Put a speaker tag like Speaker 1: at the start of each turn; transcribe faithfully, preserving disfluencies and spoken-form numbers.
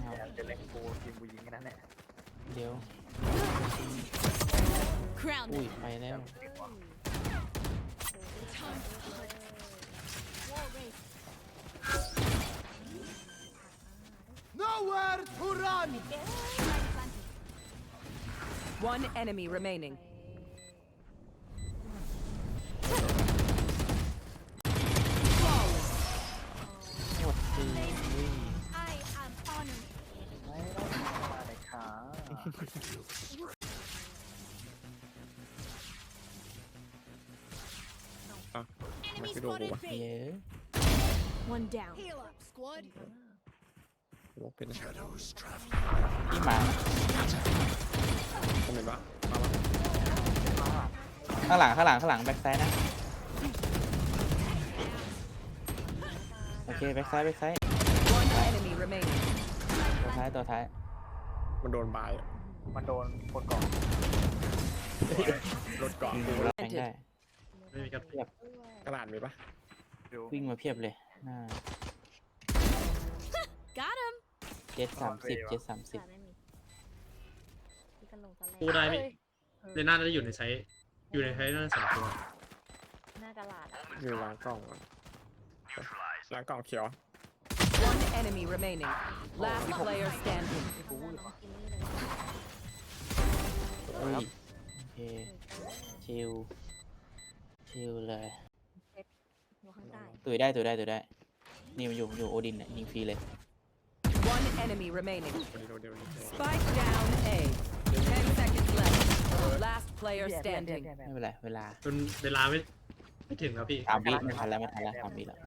Speaker 1: เอา
Speaker 2: จะเล่นกูทีมกูยิงแค่นั้นแหละ
Speaker 1: เดี๋ยว
Speaker 3: Crown
Speaker 1: อุ้ย
Speaker 3: them.
Speaker 1: ไปแล้ว
Speaker 3: Wall race.
Speaker 4: Nowhere to run!
Speaker 5: One enemy remaining.
Speaker 1: หมดตีอุ้ย
Speaker 3: I am honored.
Speaker 2: ไม่ต้องมาในขา
Speaker 3: Enemy
Speaker 6: ไม่โดน
Speaker 3: spotted
Speaker 6: วะ
Speaker 1: เย
Speaker 3: B.
Speaker 1: อะ
Speaker 3: One down. Heal up, squad.
Speaker 6: วอกเป็นนะ
Speaker 1: พี่หมา
Speaker 6: คอมเมนต์ว่ามา
Speaker 1: ข้างหลังข้างหลังข้างหลังแบ็คไซด์นะ โอเคแบ็คไซด์แบ็คไซด์
Speaker 5: One enemy remaining.
Speaker 1: ตัวท้ายตัวท้าย
Speaker 6: มันโดนบายอะ
Speaker 2: มันโดนคนก่อน
Speaker 6: รถเกาะ
Speaker 1: ยิงดูแล้วแทงได้
Speaker 6: ไม่มีกระกระดาษมีปะ
Speaker 2: ดู
Speaker 1: วิ่งมาเพียบเลยหน้า
Speaker 3: Got him.
Speaker 1: เจ็ดสามสิบเจ็ดสามสิบ
Speaker 7: กูได้ไหมเรน่าจะอยู่ในไซส์อยู่ในไซส์น่าจะสองตัว
Speaker 8: หน้ากระลาดอะ
Speaker 6: อยู่ล้างกล่องก่อนล้างกล่องเขียว
Speaker 5: One enemy remaining. Last player standing.
Speaker 2: กูวืดว่ะ
Speaker 8: กินนี่เลย
Speaker 1: อุ้ยโอเคชิลชิลเลย
Speaker 8: อยู่ข้างใต้
Speaker 1: ตุยได้ตุยได้ตุยได้นี่มันอยู่อยู่โอดินเนี่ยยิงฟรีเลย
Speaker 5: One enemy remaining.
Speaker 6: คนเดียวเดียว
Speaker 5: Spike down A. Ten seconds left. Last player
Speaker 2: แย่แย่แย่
Speaker 5: standing.
Speaker 2: แย่แย่
Speaker 1: ไม่เป็นไรเวลา
Speaker 7: จนเวลาไม่ไม่ถึงแล้วพี่
Speaker 1: สามวิไม่ทันแล้วไม่ทันแล้วสามวิแล้ว